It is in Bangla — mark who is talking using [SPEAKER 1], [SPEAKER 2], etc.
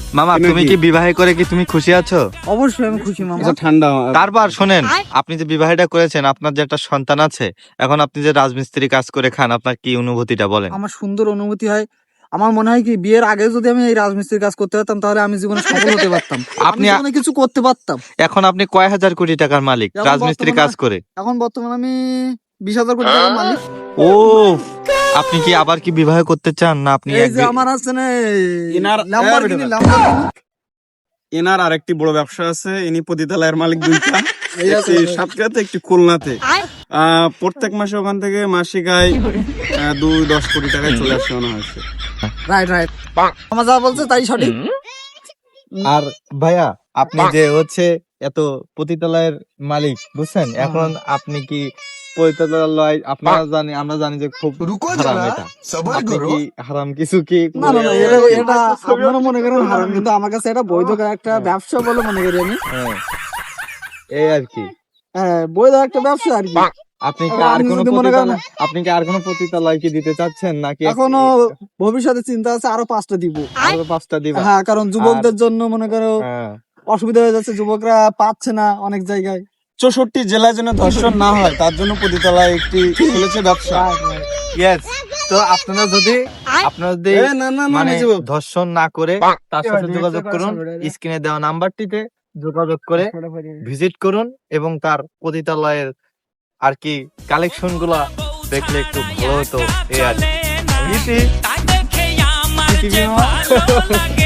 [SPEAKER 1] মামা তুমি কি বিবাহ করে কি তুমি খুশি আছো?
[SPEAKER 2] অবশ্যই আমি খুশি মামা।
[SPEAKER 3] ঠান্ডা।
[SPEAKER 1] তারপর শোনেন, আপনি যে বিবাহটা করেছেন, আপনার যে একটা সন্তান আছে, এখন আপনি যে রাজমিস্ত্রি কাজ করে খান, আপনার কি অনুভূতিটা বলেন?
[SPEAKER 2] আমার সুন্দর অনুভূতি হয়। আমার মনে হয় কি বিয়ের আগে যদি আমি এই রাজমিস্ত্রির কাজ করতে পারতাম তাহলে আমি জীবনে সফল হতে পারতাম, আমি
[SPEAKER 1] আপনি-
[SPEAKER 2] জীবনে কিছু করতে পারতাম।
[SPEAKER 1] এখন আপনি কয় হাজার কোটি টাকার মালিক
[SPEAKER 2] এখন
[SPEAKER 1] রাজমিস্ত্রি কাজ করে।
[SPEAKER 2] এখন বর্তমানে আমি 20,000 কোটি টাকার মালিক।
[SPEAKER 1] ও, আপনি কি আবার কি বিবাহ করতে চান না আপনি
[SPEAKER 2] এই যে আমার আছে না ল্যাম্বরগিনি
[SPEAKER 3] এনার আরেকটি বড় ব্যবসা আছে, ইনি পতিতালয়ের মালিক দুইটা, একটি সাতক্ষীরাতে একটি খুলনাতে। প্রত্যেক মাসে ওখান থেকে মাসিক আয় 2-10 কোটি টাকায় চলে আসে মনে হয়েছে।
[SPEAKER 2] রাইট আমার যা বলছে তাই সঠিক।
[SPEAKER 1] আর ভাইয়া, আপনি যে হচ্ছে এত পতিতালয়ের মালিক বুঝছেন, এখন আপনি কি পতিতালয় আমরা জানি যে খুব হারাম, এটা আপনি কি হারাম কিছু কি
[SPEAKER 2] না না না, এটা আপনারা মনে করেন হারাম, কিন্তু আমার কাছে এটা বৈধ একটা ব্যবসা বলে মনে করি আমি।
[SPEAKER 1] হ্যাঁ, এই আর কি।
[SPEAKER 2] হ্যাঁ, বৈধ একটা ব্যবসা আর কি।
[SPEAKER 1] আপনি কি আর কোনো আপনি কি আর কোনো পতিতালয় কি দিতে চাচ্ছেন নাকি
[SPEAKER 2] এখনো ভবিষ্যতে চিন্তা আছে আরো 5টা দিব।
[SPEAKER 1] আরো 5টা দিবেন?
[SPEAKER 2] হ্যাঁ, কারণ যুবকদের জন্য মনে করো
[SPEAKER 1] হ্যাঁ।
[SPEAKER 2] অসুবিধা হয়ে যাচ্ছে, যুবকরা পাচ্ছে না অনেক জায়গায়।
[SPEAKER 3] 64 জেলায় যেন ধর্ষণ না হয় তার জন্য পতিতালয় একটি খুলেছে ব্যবসা।
[SPEAKER 1] Yes, তো আপনারা যদি মানে ধর্ষণ না করে তার সাথে যোগাযোগ করুন, স্ক্রিনে দেওয়া নাম্বারটিতে যোগাযোগ করে ভিজিট করুন এবং তার পতিতালয়ের আর কি কালেকশন গুলা দেখলে একটু ভালো হতো এই আর কি।